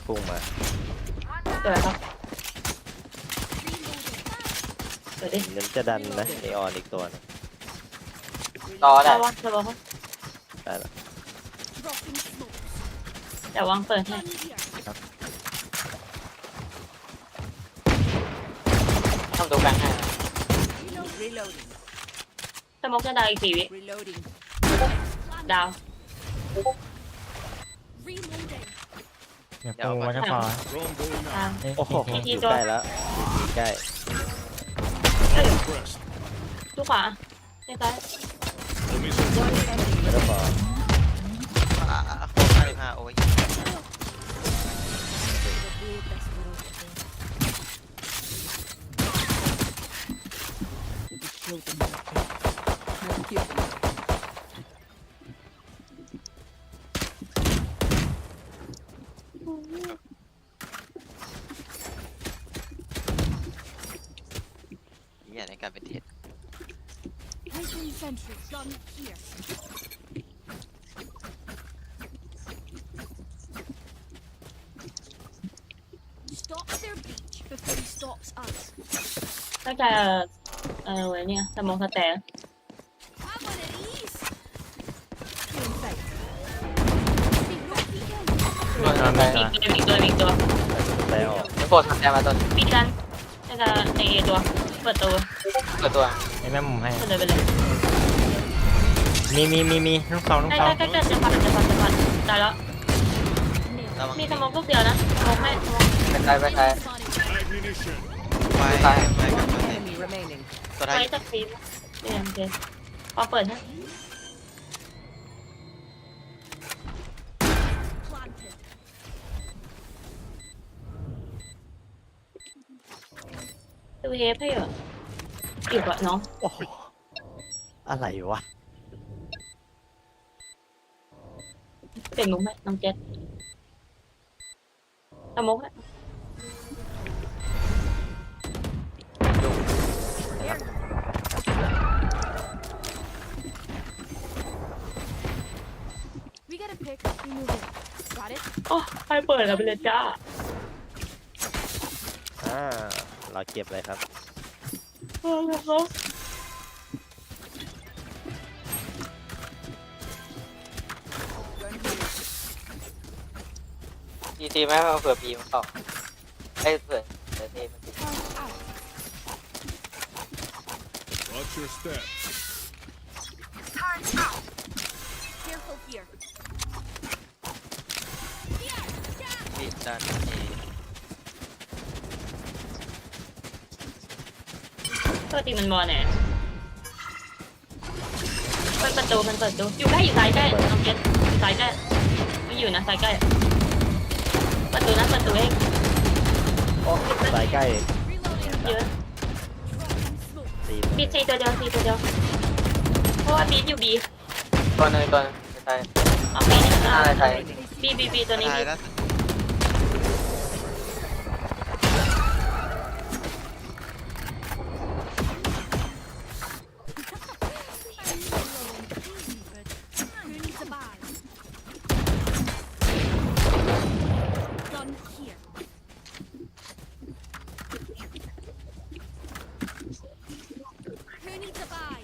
พุ่งมาเกิดครับเกิดดิเน้นจะดันนะนีออนอีกตัวนึงรอได้ระวังระวังได้ละแต่วางเปิดให้ทำตัวกลางให้ Reloading. สมองจะดาวอีก4 วิ Reloading. ดาว Reloading. เดี๋ยวปูวัชพอดาวโอ้โหทีอยู่ตัวใกล้แล้วอยู่ใกล้เอ้ยดูขวาใกล้ไม่ต้องบอก 55โอ้ยเหี้ยในการเป็นเท็จ Placing sentry. Gun here. Stop their breach before he stops us. ๆน่าจะเว้ยเนี่ยสมองสแตน Have one of these. In sight. Big no peeking. ตัวทำได้อีกตัวอีกตัวได้ออกโฟทำได้มาต้นปีกันน่าจะในตัวเปิดตัวเปิดตัวไอ้แม่มุมให้เปิดเลยไปเลยมีลูกซองลูกใกซองล้ๆจะพันได้แล้วระวังมีสมองลูกเดียวนะสมองไม่สมองไปใช้ไปใช้ไฟไปไฟกับตัวไหน Enemy remaining. ตัวท้ายไว้จะฟีบโอเคพอเปิดฮะ Planted. ดูเฮฟให้เหรออีกวะน้องโอ้โหอะไรวะเปลี่ยนมุกไหมน้องเจ็ดสมองฮะ We get a pick. We move in. Got it. โอ้ใครเปิดแล้วไปเลยจ้าเราเก็บเลยครับเขาทีทีไหมเอาเผื่อปีมันเข้าไอ้เผื่อทีมันติด Turn out. Watch your step. Careful here. บีบดันเอตัวตีมันบอลเนี่ยเปิดประตูมันเปิดประตูอยู่ใกล้อยู่ซ้ายใกล้น้องเจ็ดอยู่ซ้ายใกล้ไม่อยู่นะซ้ายใกล้ประตูนะประตูเองโอ้สายใกล้เยอะตีบีซีตัวเดียวซีตัวเดียวเพราะว่าบีอยู่บีตัวหนึงตัวหนึงไปใช้เอาบีนี่หน้าใช้บีตัวนี้ตายบีแล้ว Who needs a buy? Gun here. Who needs a buy?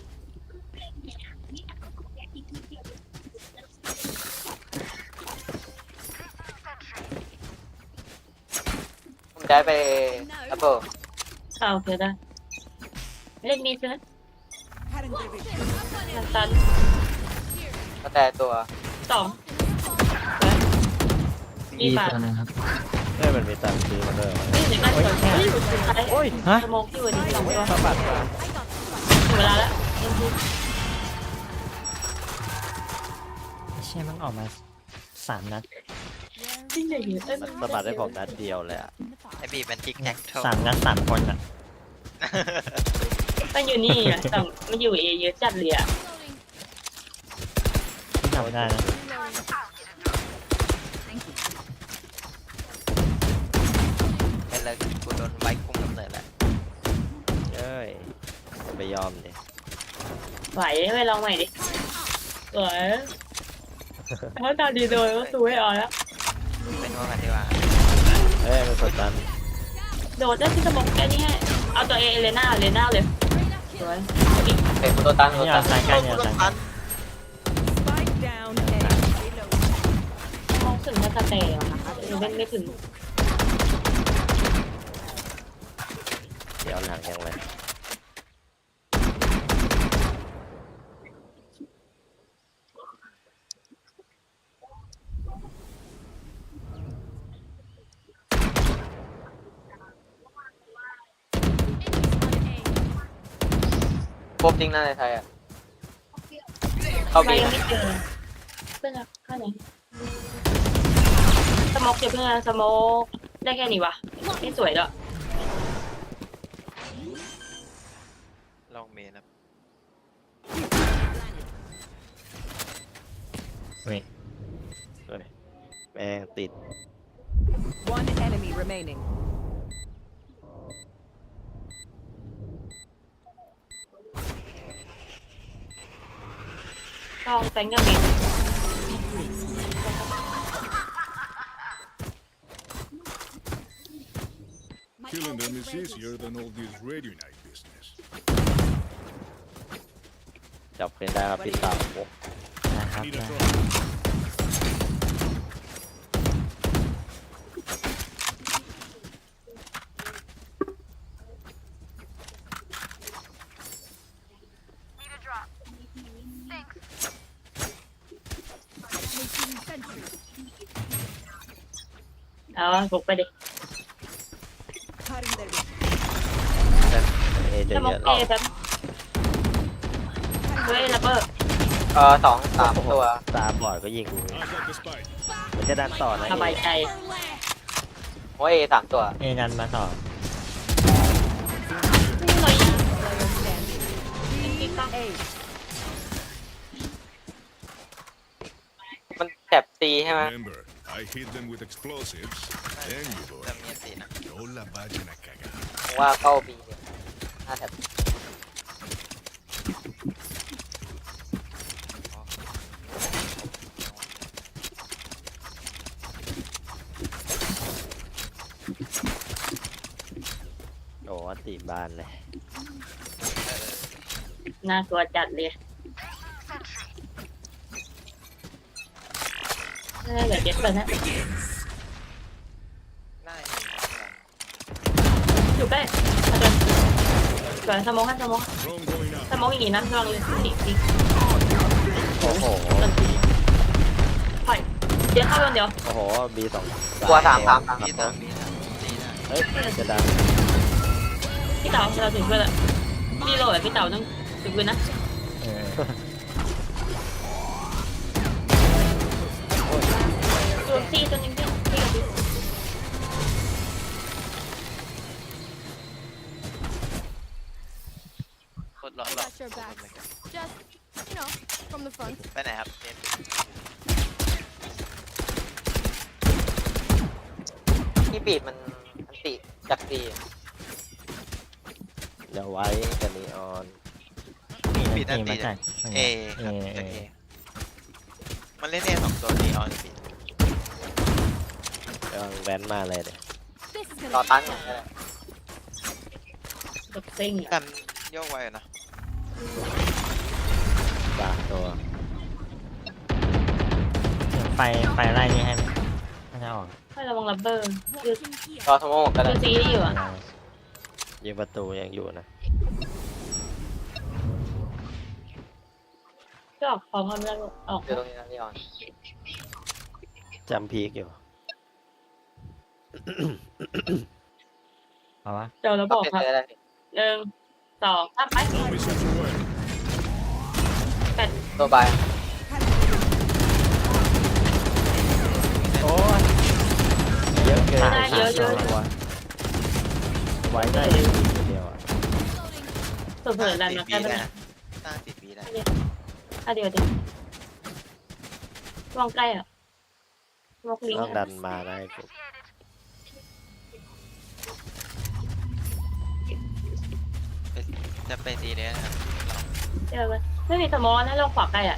ผมย้ายไปแอปเปิลโอเคได้เล่นมีดใช่ไหม I've got it. น้ำตาลก็แต่ตัวสองมีปากตัวนึงครับมันมีตังค์ซื้อมาด้วยนี่ถึงบ้านสวยแค่โอ้ยฮะสมองที่วันนี้สองตัวสะบัดมาถึงเวลาแล้วเอ็มพีเชี่ยมันออกมา3 นัดจริงเลยเอ้ยมันสะบัดได้ผมนัดเดียวเลยอ่ะไอ้บีบมันทิกแท็กโท 3 นัด 3 คนอ่ะมันอยู่นี่อ่ะแต่มันอยู่เอเยอะจัดเลยอ่ะที่ทำได้นะเป็นเลยกูโดนไว้คุมกำเนิดแล้วเอ้ยจะไปยอมดิไหวไปลองใหม่ดิสวยถ้าตาดีโดยก็สู้ให้ออกแล้วเป็นว่ากันดีกว่ากดดันโดดได้ที่สมองแค่นี้ให้เอาตัวเลน่าเลยสวยอีกเตะกูตัวตันนี่ตัวเอาตันสายใกล้เนี่ยสายใกล้ Spike down A. Reload. มองถึงถ้าจะเตะอะค่ะเล่นไม่ถึงเดี๋ยวหลังยังไงพบจริงนะในไทยอ่ะเข้าไปบียังไม่เจอเพื่อนข้างไหนสมองเดี๋ยวเพื่อนสมองได้แค่นี้วะไม่สวยด้วยลองเมนครับเว้ยเฮ้ยแม่งติด One enemy remaining. ต้องแซงยังมี Killing them is easier than all this radio night business. จับคืนได้ครับพี่สาวโอ้นะครับ Need ได้ a drop. Making sentry. เอาบุกไปดิ Cutting their vision. เอเจสอะมองเยอะเอแป๊บเฮ้ยระเบิดสองสามตัวตาบอดก็ยิงกู I've got the spike. มันจะดันต่อนะสบายใจโอ้ยสามตัวเอนันมาต่อนี่เลย A. มันแถบตีใช่ไหม Remember, I hit them with explosives. Then you go. จะมีอันตีนะ No la vayan a cagar. ผมว่าเข้าบีเนี่ยหน้าแถบโอ้ติบานเลยน่ากลัวจัดเลยนี่เหลือเจ็ดเลยนะได้อยู่ใกล้มาเดินสวยสมองให้สมอง Drone going ส out. มองอย่างนี้นะลองเลยสิโอ้โหต้นทีถอยเดี๋ยวเข้าเดี๋ยวโอ้โหบีสองตัวสามมีตามมีตามตีได้เฮ้ยจะดันพี่เต๋าเราถึงเพื่อนละมีโหลดพี่เต๋าต้องถึงเพื่อนนะเออตัวซีตัวนึงพี่กับพี่โคตรร้อน I ร้อน got your back. Just, you know, from the front. ไปไหนครับเน้นที่บีดมันติจากบีเดี๋ยวไว้กันนีออนปีนั่นตีมาจากเอครับจากเอมันเล่นเอสองตัวนี้ออนปีกำลังแว้นมาเลยเนี่ย This is ต่อ gonna ตัน be อย่าง fun. นี้แหละกับซิงกันโยกไวนะบางตัวเดี๋ยวไฟไล่นี่ให้ไหมน่าจะออกให้ระวังระเบิดคือ Watching here. รอทโมก็ได้คือซีที่อยู่อ่ะยิงประตูยังอยู่นะก็ออกพร้อมกันแล้วออกอยู่ตรงนี้นะลีออนจำพีกอยู่เอาวะเจอแล้วบก็อกเป็นครับไปได้ 1 2 3ไป Mission to win. ตัวบายโอ้ยเยอะเกินได้เยอะเยอะตัวไว้ได้อยู่คนเดียวอ่ะเผื่อๆดันมาบีแค่ได้นั้นนะตั้งติดบีได้เดี๋ยววางใกล้อ่ะวางลิงต้องก์ดันมาได้ปุ๊บจะไปตีเนี้ยนะครับเจอเลยไม่มีสมอนะลองขวาใกล้อ่ะ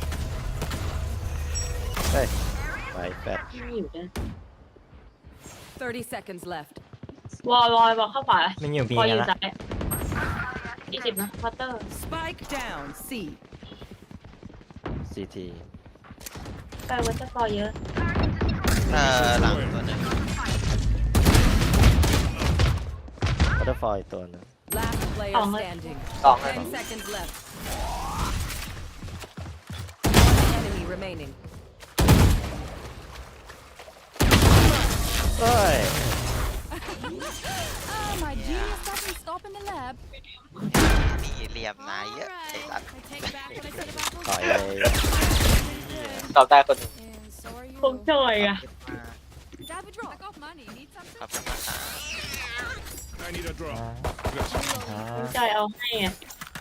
เฮ้ยไว้แฟดไม่อยู่ด้วย 30 seconds left. วอลเข้าขวามันอยู่บีวอลอยู่ละซ้าย20นะพัตเตอร์ Spike down. C. CT ใกล้วัตเตอร์กอเยอะหลังตัวหนึง Butterfly อีกตัวหนึง Last player Oh, my- standing. สองเลย 10 seconds left. One enemy remaining. เฮ้ย Oh, my genius doesn't stop in the lab. นี่เหลี่ยมนายเยอะ Alright, ไอ้สัตว์ I take back what I said about those ต่อยเลยตอบได้คนหนึ่ง And so are คง you. จอยอ่ะ Grab a drop. I got money. Need something? ขอบคุณนะครับ I need a drop. อ่าคงจอยเอาให้อ่ะ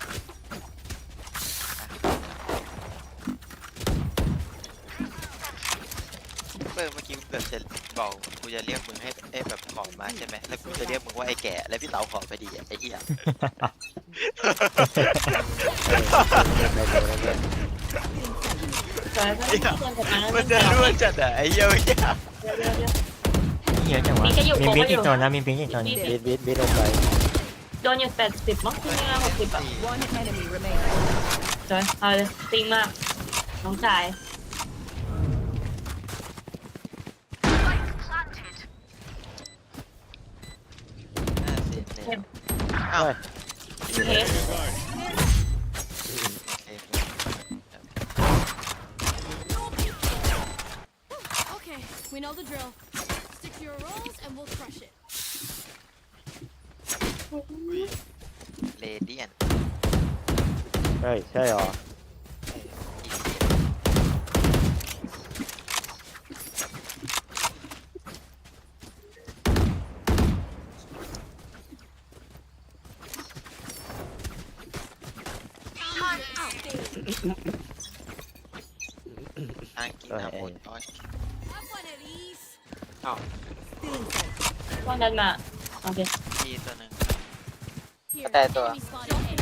เมื่อกี้กูเกิดจะบอกกูจะเรียกมึงให้แบบขอมาใช่ไหมแล้วกูจะเรียกมึงว่าไอ้แก่แล้วพี่เต๋าขอไปดีไอ้เหี้ยจอยก็ต้องเพื่อนกับมันมันจะร่วงจัดอ่ะไอ้เหี้ยเหี้ยเดี๋ยวเยอะจังวะมีแค่อยู่มีโกงบิ๊กก็อยู่อีกตัวนะมีบิ๊กอีกตัวนึงบิดลงไปโดนอยู่80มั้งที่นี่60อ่ะ One enemy remaining. จอยเอาเลยติงมากน้องชายอ้าวเทส Okay, we know the drill. Stick to your roles and we'll crush it. เลเดียนเฮ้ย ใช่หรออังกฤษนะหมดอ้อย Have one of these. พวกนั้นมาโอเคทีตัวหนึ่ง Here, Okay, ito. enemy spotted. A.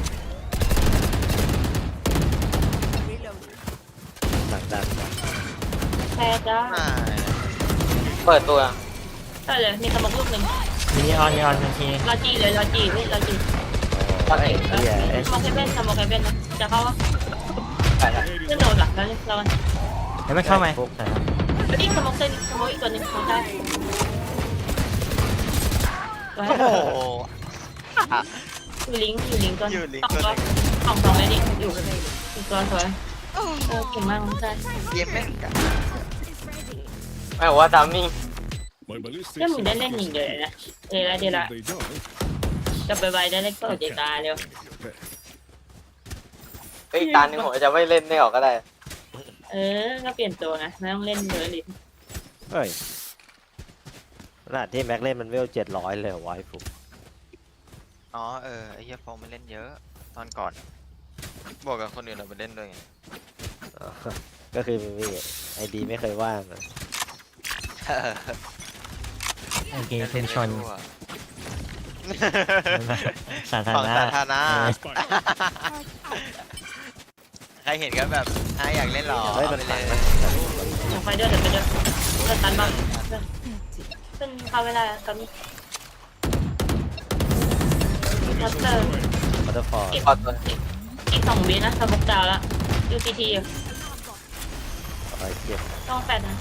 หลังดันแพ้จ้าไม่เปิดตัวก็เลยมีสมองลูกหนึ่งมีออนทันทีรอจีเลยรอจีเฮ้ยรอจีโอ้ยเหี้ยสมองแคเบนสมองแคเบนนะจะเข้าวะไปแล้วขึ้นโดนหลักแล้วเราเดี๋ยวไม่เข้าไหมใช่ครับแล้วนี่สมองเส้นสมองอีกตัวหนึ่งของใครโอ้โหอยู่ลิงก์ตัวอยู่ลิงก์สองตัวตัวเลยดิอยู่อีกตัวสวยโอ้เก่งมากน้องชายเกมแม่งกันไม่บอกว่าทามมิ่ง My ballistics เรื่องมึงได้ are เล่นหนึ่งเดียว close. เลยนะเดี๋ยวละ If they die, กลับไปไวได้เล็กก็เดี๋ยวตาเร็ว okay. เฮ้ยอีกตาหนึ่งผมจะไม่เล่นไม่ออกก็ได้ก็เปลี่ยนตัวไงไม่ต้องเล่นเยอะดิเฮ้ยขนาดที่แม็กเล่นมันเวล700เลยเหรอวะไอ้ฟุกอ๋อไอ้เหี้ยฟองมันเล่นเยอะตอนก่อนบอกกับคนอื่นเราไปเล่นด้วยไงอ๋อก็คือมีไอดีไม่เคยว่างอะโอเคชุมชนทั่วสาธารของณะสาธารณะ Spike. ใครเห็นก็แบบอยากเล่นหรอเฮ้ยเอามันไปฝังเลนะยเดี๋ยวไปด้วยเลิกตันบ้างขึ้นเข้าเวลาตอนนี้มัสเตอร์บัตเตอร์ฟอร์พอตัวอีก2 วินะสมุกดาวแล้วยูซีทีอยู่ไปเก็บต้องแฟนนะ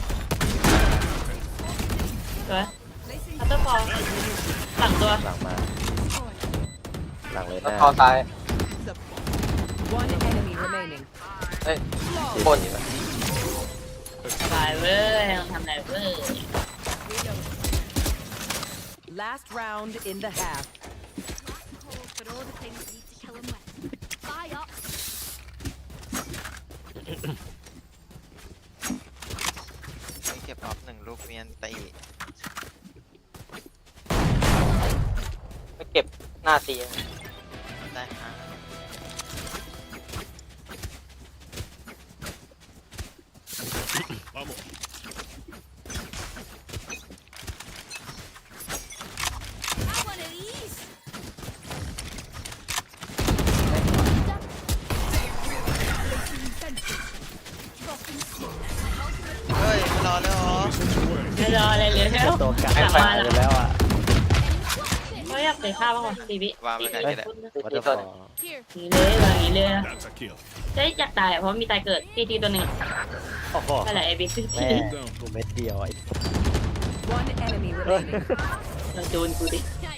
สวยมัสเตอร์ฟอร์หลังตัวหลังมา หลังเลยหแล้วน้าคอซ้าย One enemy remaining. เฮ้ยที่บนที่แบบสบายเว้ยต้องทำอะไรเว้ย Last round in the half. Cold, but all the things need to kill him with. Buy up. ไม่เก็บออฟ1 ลูกเมียนตีไม่เก็บหน้าตีได้ฮะ Vamos. Have one of these. Dropping smoke. เฮ้ยมารอแล้วเหรอ Sent away. ไม่รออะไรเลยแล้วตัวกลางหลังมาหายไปแล้วอ่ะเขาอยากเตะข้าวบ้างวะซีบีวางไว้ไหนก็ได้วัตถุฟอร์ Here. หนีเลยแบบนี้เลย That's a kill. เจ๊อยากตายเพราะมีตายเกิดทีตัวหนึ่งโอ้โหนั่นแหละไอ้บิ๊กซีแม่กูเม็ดเดียวไอ้ One enemy remaining. โดนกูดิ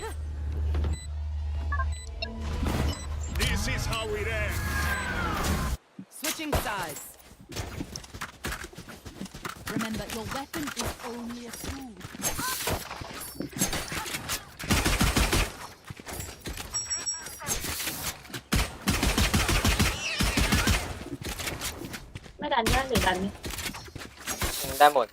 This is how it ends. Switching sides. Remember, your weapon is only a tool. ไม่ดันยากหรือดันไหมได้หมด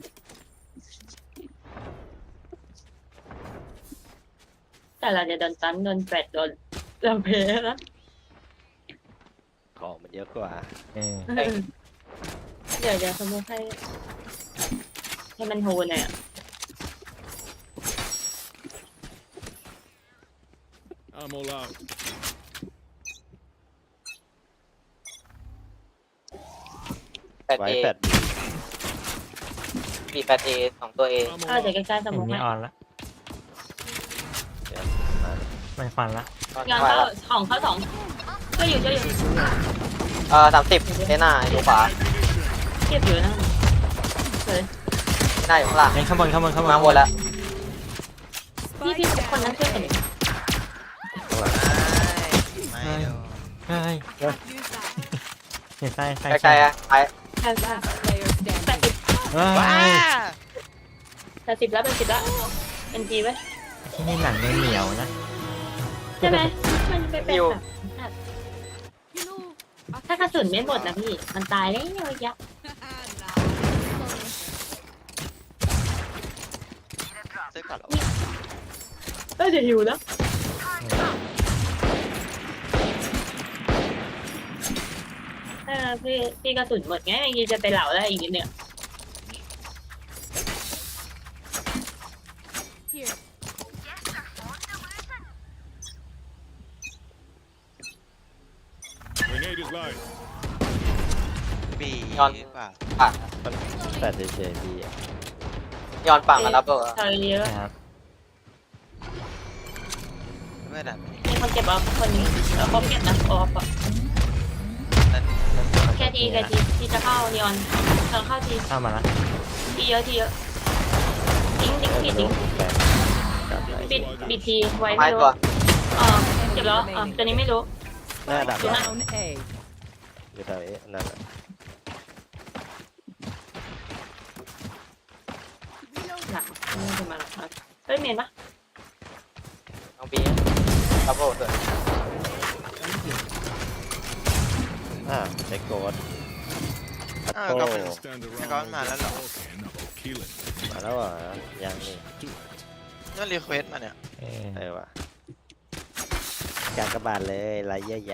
แต่เราจะโดนตันโดนแปดโดนเราเพลนะของมันเยอะกว่าเดี๋ยวสมมติให้มันโหนหน่อยอะ I'm all out. แปดไว้เอแปดบีแปดเอ2ตัวเอ I'm ก็ all เดี๋ยว out. ใกล้ๆสมมเห็นตินีให้ออนละไม่ฟันละงานเข้าของเข้าสองก็อยู่ 30เซน่าอยู่ขวาเทียบอยู่นะเฮ้ยหน้าอยู่ข้างล่างเฮ้ยข้างบนมาหมดแล้วพี่คนนั้นช่วยกันไม่เดี๋ยวเฮ้ย Use that. เห็นไส้ไส้ใกล้ๆอะไปใช่ Last player แปด standing. สิบเฮ้ยว้า 80แล้วเป็น10แล้วเป็นทีไว้ที่นี่หนังเหนียวนะใช่ไหมมันเป็นแบบ You know, ถ้ากระสุนไม่หมดนะพี่มันตายแล้วยะซื้อก่อนเหรอเดี๋ยวหิวแล้วพี่กระสุนหมดไงยังจะไปเหล่าได้อีกนิดนึง here. Grenade is live. ปีย้อนป่ะปังมันแปดเฉยๆพี่อะย้อนปังมาแล้วเบอร์ใช่เยอะนะครับไม่ดันมีคนเก็บเอาคนนี้แล้วเขาเก็บนะออฟนั่นแค่ทีที่จะเข้านีออนเธอเข้าทีเข้ามาละทีเยอะทิ้งผิดทิ้งแปดกลับไปปิดทีไว้ไม้ไม่รู้ตัวเก็บแล้วตัวนี้ไม่รู้หน้าดับ Down A. อยู่แถวนี้นั่นแหละหนักไม่จะมาหรอกเฮ้ยเมนปะน้องบีดับเบิลตัวไอ้โกดก็เป็น Can't stand around Gone all man, day hello. talking about killing. มาแล้วเหรอยังนี่ Do it. นั่นรีเควสมาเนี่ยว่ะการกระบาดเลยไรเยอะใหญ่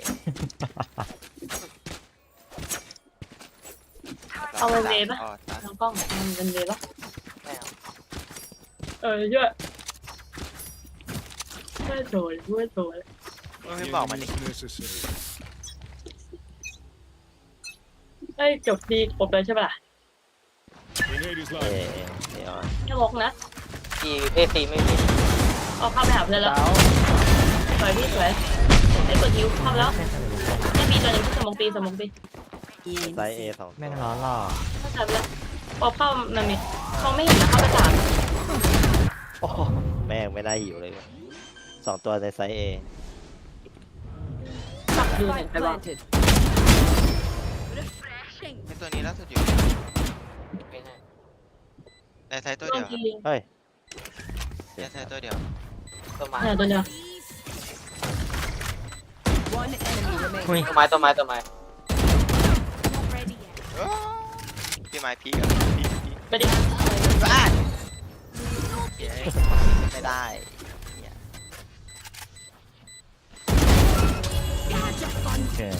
เอาเวนเวปะอ๋อตายน้องกล้องเอาเวนเวปะไม่เอาเยอะเพื่อโดนไม่บอกมันดิ Is necessary. เฮ้ยจบดีครบเลยใช่ปะล่ะ Grenade is เอ live. นี่อ่อนแค่วกนะทีเอซีไม่มีเอาเข้าไปหาเพื่อนแล้วสวยพี่สวยไอ้กดฮิวเข้าแล้วไม่มีตัวหนึ่งที่สมองปีไซส์ A 2 แม่งร้อนหล่อเข้าใจแล้วพอเข้ามันมีเขาไม่เห็นนะเข้าไป3 โอ้โหแม่งไม่ได้หิวเลยว่ะ2ตัวในไซส์ A สับดูเห็น Spike ไปบ้าง planted. ไอตัวนี้ล่าสุดอยู่ไม่แน่ในไซต์ตัวโดเดีนยวทีเฮ้ยในไซต์ตัวเดียวต้นไม้เนี่ยตัวเดียว One enemy remaining. อุ้ยต้นไม้ Not ready yet. พี่ไม้พีกับพีไปดิบ้านไม่ได้เกิด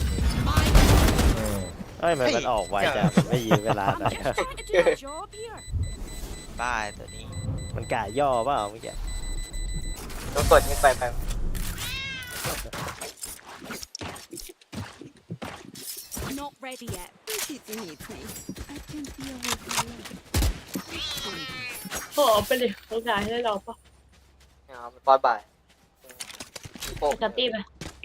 เฮ้ยมันออกไวจังมันไม่ยื้อเวลาหน่อย Trying to do a job here. บ้าตัวนี้มันกะย่อเปล่าเมื่อกี้ต้องกดยิงไป Not ready yet. If you need me, I can deal with you. ขอไปเลยโอกาสให้เราปะเนี่ยเอาไปปอนบ่ายโป๊ะจัดตี้ไป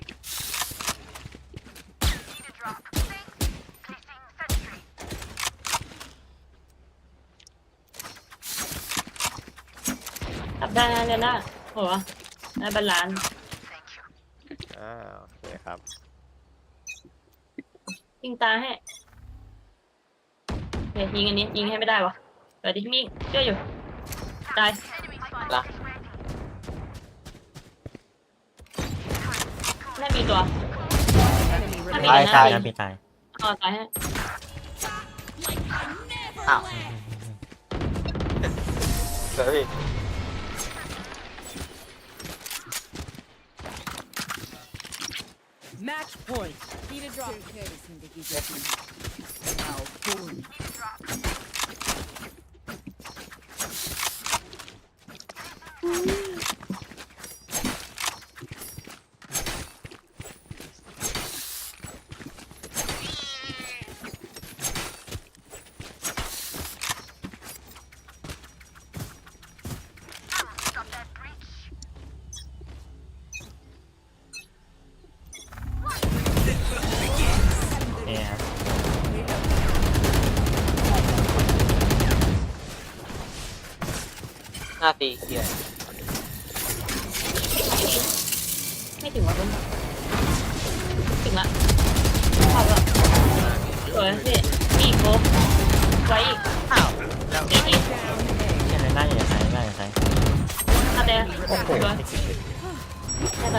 จับได้นะเรน่าโหได้บาลานซ์โอเคครับยิงตาให้เดี๋ยวยิงอันนี้ยิงให้ไม่ได้วะเดี๋ยวดิมิ่งเชื่ออยู่ตายละไม่มีตัว Enemy ถ้ามี remaining. ตายนะตายนะพี่ตายอ๋อตายให้อ้าวเฮ้ย Match point. Need a drop. Now, boom. เนี่ยครับหน้าตีเกียร์ไม่ถึงวะเพิ่งถึงละเข้าละสวยพี่มีอีกโบไว้อีกอ้าวแล้วเด็กอีก Down A. เช่นหน้าอย่าใช้หน้าอย่าใช้อาแดงสวย ได้ไหม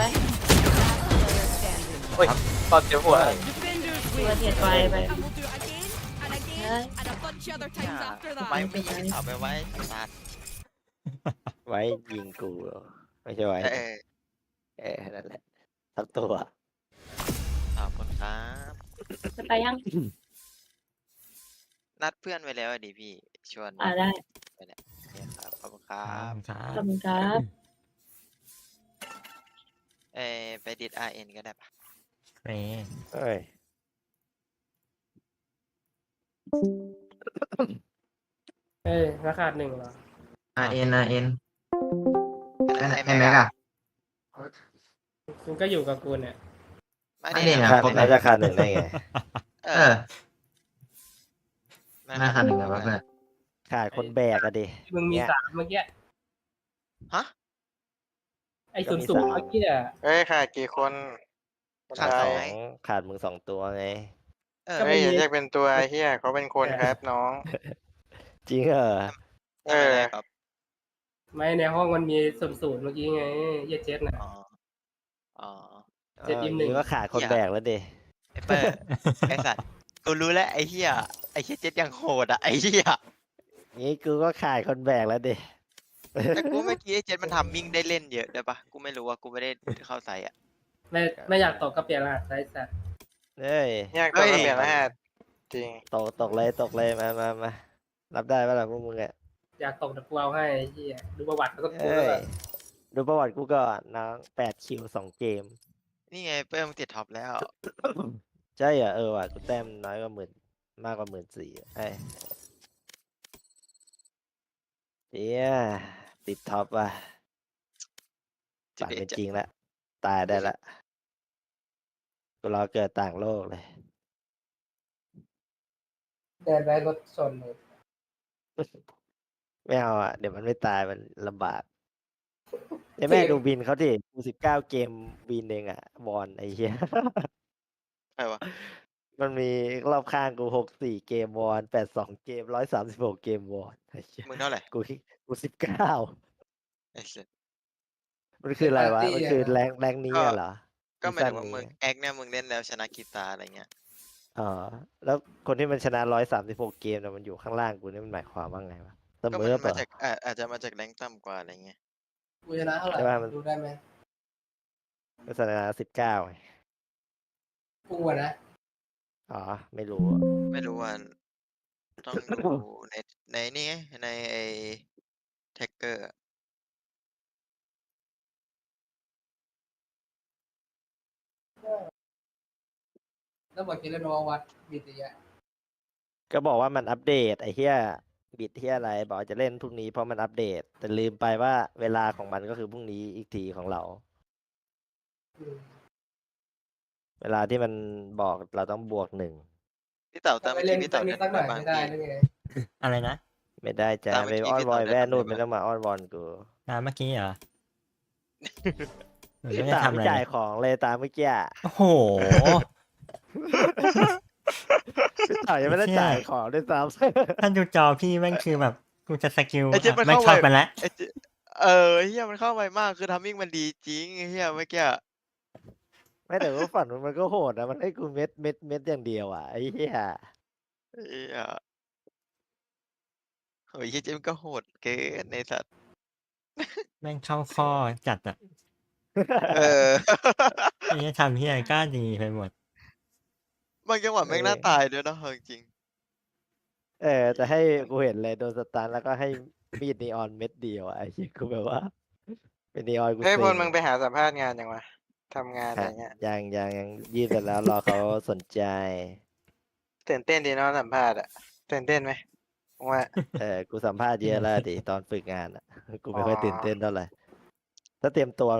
โอ้ยตอนเจ็บหัว Defenders ตัว win. เทียดไปไป And we'll do it again and again and a bunch of other times after ไม่ that. ไม่ยิงเอาไปไว้สัตว์ไว้ยิงกูเหรอไม่ใช่ไว้ นั่นแหละทั้งตัวขอบคุณครับจะไปยังนัดเพื่อนไว้แล้วอะดิพี่ชวนได้เนี่ยครับขอบคุณครับครับขอบคุณครับไปดิด RN ก็ได้ปะเฮ้ยเอ้ยเอ้ยราคา1เหรอ RN ไอ้ไอ้แม็กอะคุณก็อยู่กับกูเนี่ยไม่ไม่ได้ได้นะนะขาดครบน่าเลยจะขาดหนึ่งได้ไงเอเอออน่าคันหนึ่งแบบว่าเพื่อนขาดคนแบกอะดิที่มึงมีเนี่ย 3เมื่อกี้ฮะไอ้ก็มี 00 3 เมื่อกี้อะเฮ้ยขาดกี่คนขาดสสอองงขาดมึง2 ตัวไงเออเฮ้ยอย่าเรียกเป็นตัวไอ้เฮียเขาเป็นคนครับน้องจริงเหรอเออครับไม่ในห้องมันมี00เมื่อกี้ไงเหี้ยเจ็ดน่ะอ๋ออ๋อเจ็ดยิ้มหนึ่งนี่ก็ขาดคนแบกแล้วดิไอ้เปอร์ไอ้สัตว์กูรู้แล้วไอ้เหี้ยเจ็ดยังโหดอ่ะไอ้เหี้ยงี้กูก็ขาดคนแบกแล้วดิแต่กูเมื่อกี้ไอ้เจ็ดมันทำมิ่งได้เล่นเยอะได้ปะกูไม่รู้ว่ากูไม่ได้เข้าใส่อ่ะไม่อยากตกก็เปลี่ยนรหัสไซส์สัตว์เฮ้ยยากตัวก็เปลี่ยนรหัสจริงตกเลยมารับได้ปะล่ะพวกมึงอ่ะอยากตกแต่กูเอาให้ไอ้เหี้ยดูประวัติแล้วก็กูเอ้แล้วยก็ดูประวัติกูก่อนน้อง8 คิว 2 เกมนี่ไงเปิ้มงติดท็อปแล้วใช่เหรอว่ะกูแต้มน้อยกว่ามากกว่า14,000ไอ้เฮียติดท็อปว่ะฝันเป็นจริงแล้วตายได้ละกูรอเกิดต่างโลกเลยเดินได้รถชนเลยไม่เอาอ่ะ เดี๋ยวมันไม่ตายมันลำบากเดี๋ยวแม่ดูบินเขาดิกู19 เกมบินเองอ่ะบอลไอ้เหี้ยใครวะมันมีรอบข้างกู64 เกมวอน82 เกม136 เกมวอนไอ้เหี้ยมึงเท่าไหร่กู19 ไอ้สัสมันคืออะไรวะ มันคือแรงนี้อะเหรอก็หมายถึงว่าซีมึซั่งนนี้แอคเนี่ยมึงเล่นแล้วชนะกีตาร์อะไรเงี้ยอ๋อ แล้วคนที่มันชนะ136 เกมน่ะมันอยู่ข้างล่างกูนี่มันหมายความว่าไงวะเสก็มมันอมาเปล่าจากอาจจะมาจากแรงต่ำกว่าอะไรเงี้ยกูชนะเท่าไหร่ใช่ป่ะมันดูได้ไหมก็ชนะ19ไงกูอะนะอ๋อ ไม่รู้อะไม่รู้ว่าต้องดูในนี่ไงในไอ้แท็กเกอร์แล้วบอกกินแล้วโนวัดมีแต่ยะก็บอกว่ามันอัปเดตไอ้เหี้ยบิดที่อะไรบอกจะเล่นพรุ่งนี้เพราะมันอัปเดต แต่ลืมไปว่าเวลาของมันก็คือพรุ่งนี้อีกทีของเรา เวลาที่มันบอกเราต้องบวก 1 พี่เต่าตามไปเมื่อเล่กี้นพี่สัเต่ากนิเดิดสักหน่อยนบางไม่ได้พี่หรือไงอะไรนะไม่ได้จ้ะตามเมื่ไปอกี้อ้อนพี่วอยต่อแว่นู่นเดิไม่นต้องมาอ้อนวอนกูตามเมื่อกี้เหรอหนูไม่ได้ตามทำอะไม่ไรจ่ายเลยของเลยตามเมื่อกี้อะโอ้โหพี่ต่อยยังไม่ได้เชี่ยจ่ายของด้วยซ้ท่านดูจอพี่แม่งคือแบบกูจะสกิลไอ้เจ๊มันไม่เข้าชอบไวมันแล้วไอ้เจ๊ไอ้เฮียมันเข้าไวมากคือทำมิ่งมันดีจริงไอ้เฮียเมื่อกี้ำไม่แต่ว่าฝันมันก็โหดนะมันให้กูเม็ดอย่างเดียวอ่ะไอ้เหี้ยไอ้เฮียโอ้ยเฮียเจ๊มันก็โหดเกินในสัตว์แม่งเข้าข้อจัดอ่ะเออไอ้เนี่ยทำเฮียก็ดีไปหมดบางจังหวะแม่งน่าตายด้วยเนาะเอาจริงแต่ให้กูเห็นเลยโดนสตันแล้วก็ให้มีดนีออนเม็ดเดียวอะไอ้เหี้ยกูแบบว่า เป็นนีออนกูเฮ้ยเซ็พลงมึงไปหาสัมภาษณ์งานยังวะทำงานอะไรเงี้ยยังยื่นไปแล้วรอเขาสนใจตื่นเต้นดีเนาะสัมภาษณ์อะตื่นเต้นไหมว่ากูสัมภาษณ์เยอะแล้วดิตอนฝึกงานอ่ะ กูไม่ค่อยอ๋อตื่นเต้นเท่าไหร่ถ้าเตรียมตัว